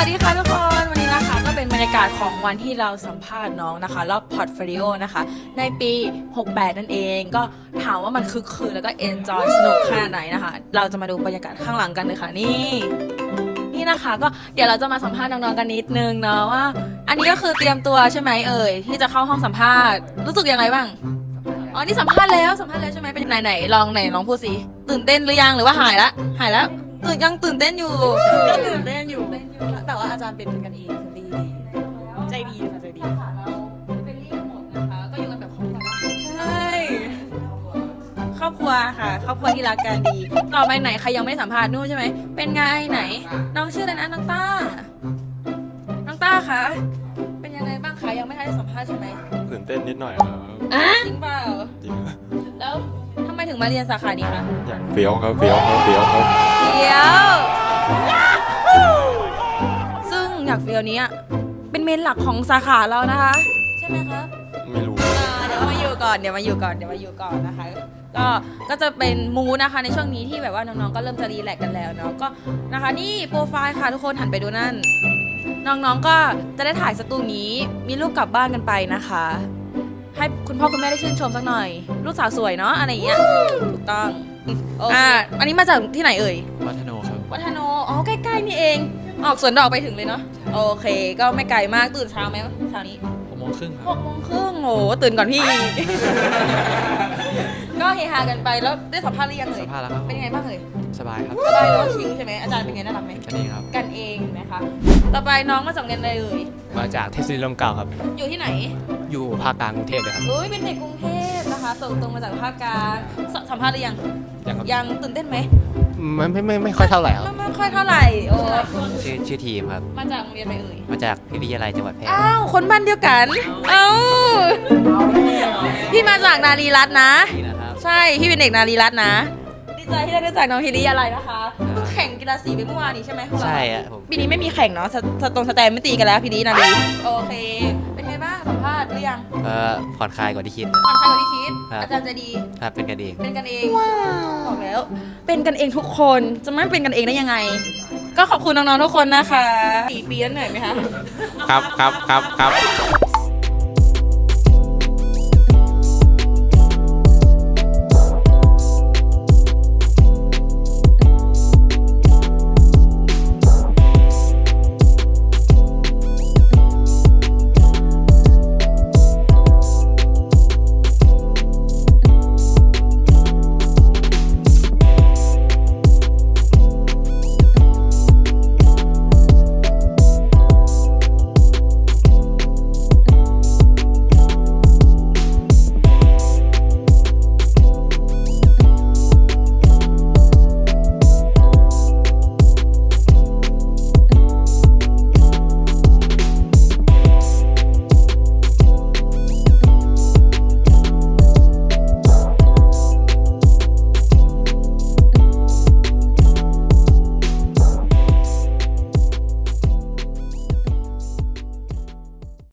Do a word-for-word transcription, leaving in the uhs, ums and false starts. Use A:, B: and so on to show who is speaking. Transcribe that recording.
A: วัสดีค่ะทุกคนวันนี้นะคะก็เป็นบรรยากาศของวันที่เราสัมภาษณ์น้องนะคะรอบพอร์ตโฟลิโอนะคะในปีหกสิบแปดนั่นเองก็ถามว่ามันคึกคืนแล้วก็เอนจอยสนุกขนาดไหนนะคะเราจะมาดูบรรยากาศข้างหลังกันเลยค่ะนี่นี่นะคะก็เดี๋ยวเราจะมาสัมภาษณ์น้องๆกันนิดนึงเนาะว่าอันนี้ก็คือเตรียมตัวใช่ไหมเอ่ยที่จะเข้าห้องสัมภาษณ์รู้สึกยังไงบ้างอ๋อนี่สัมภาษณ์แล้วสัมภาษณ์แล้วใช่ไหมเป็นไหนไหนลองไหนลองพูดสิตื่นเต้นหรือยังหรือว่าหายละหายแล้วตื่นยังตื่นเต้นอยู่
B: ก็ตื่นเต้นอยู่แต่ว่าอาจารย์เป็นกันเองคือดีใจดีค่ะใจดี
A: ค่ะเราเป็นรีหมดนะคะก็อยู่กันแบบครอบครัวใช่ครอบครัวค่ะครอบครัวที่รักกันดีต่อไปไหนใครยังไม่สัมภาษณ์นู่นใช่ไหมเป็นไงไหนน้องชื่ออะไรนะน้องต้าน้องต้าคะเป็นยังไงบ้างคะยังไม่ทันได้สัมภาษณ์ใช่ไหม
C: ตื่นเต้นนิดหน่อยครับ
A: อ่ะจริงเปล่า
C: จริงครับ
A: แล้วทำไมถึงมาเรียนสาขานี้คะ
C: อยากเฟี้ยวครับเฟี้ยวครับเฟี้ยวครับ
A: เฟี้ยวซึ่งอยากเฟี้ยวนี้เป็นเมนหลักของสาขาเรานะคะใช่ไหมคะ
C: ไม่รู้
A: เดี๋ยวมาอยู่ก่อนเดี๋ยวมาอยู่ก่อนเดี๋ยวมาอยู่ก่อนนะคะก็ก็จะเป็นมูนะคะในช่วงนี้ที่แบบว่าน้องๆก็เริ่มจะรีแลกซ์กันแล้วเนาะก็นะคะนี่โปรไฟล์ค่ะทุกคนหันไปดูนั่นน้องๆก็จะได้ถ่ายสตูนี้มีรูปกลับบ้านกันไปนะคะให้คุณพ่อคุณแม่ได้ชื่นชมสักหน่อยลูกสาวสวยเนาะอะไรอย่างเงี้ยถูกต้องอ่าอันนี้มาจากที่ไหนเอ่ย
C: วัฒโนครับ
A: วัฒโนอ๋อใกล้ๆนี่เองออกสวนดอกไปถึงเลยเนาะโอเคก็ไม่ไกลมากตื่นเช้าไหมเช้านี้
C: หกโมงครึ่งครับ
A: หกโมงครึ่งโหตื่นก่อนพี่ ก็เฮฮากันไปแล้วได้สัมภาษณ์หรือยังเอ่ย
C: สัมภาษณ์แล้วครับ
A: เป็นยังไงบ้างเอ่ย
C: สบายครับ
A: สบายแล้วชิลใช่ไหมอาจารย์เป็นไงน่ารักไหม
C: กันเองครับ
A: กันเองไหมคะต่อไปน้องมาจากเรียนอะไรเอ่ย
C: มาจากเทศบาลลมเก่าครับ
A: อยู่ที่ไหน
C: อยู่ภาคกลางกรุงเทพเลยครับ
A: อุ้ยเป็นเด็กกรุงเทพนะคะส่งตรงมาจากภาคกลางสัมภาษณ์หรือยัง
C: ยังครับ
A: ยังตื่นเต้นไหม
C: ไม่ไม่ไม่ไม่ค่อยเท่าไหร่ครับ
A: ไม่ไม่ค่อยเท่าไหร่โอ้
D: ชื่อชื่อทีมครับ
A: มาจากโรงเรียนอะไรเอ่ย
D: มาจากวิทยาลัยจังหวัดแพร่
A: อ้าวคนบ้านเดียวกันเอ้าพี่มาจากนารีรัตน์นะใช่พี่เป็นเด็กนารีรัตน์นะดีใจที่ได้รู้จักน้องฮิริอะไรนะคะเพิ่งแข่งกีฬาสีไปเมื่อวานนี้ใช่ไหม
D: ใช่อะผม
A: ปีนี้ไม่มีแข่งเนาะสตรงสแตนไม่ตีกันแล้วพี่ดีนารีโอเคเป็นไงบ้างสัมภาษณ์หรือยัง
D: เออผ่อนคลายกว่าที่คิด
A: ผ่อนคลายกว่าที่คิดอาจารย์จะดี
D: ครับเป็นกันเอง
A: เป็นกันเองว้าวบอกแล้วเป็นกันเองทุกคนจะไม่เป็นกันเองได้ยังไงก็ขอบคุณน้องๆทุกคนนะคะสี่ปีแล้วเหนื่อยไหมคะ
C: ครับครับครับครับ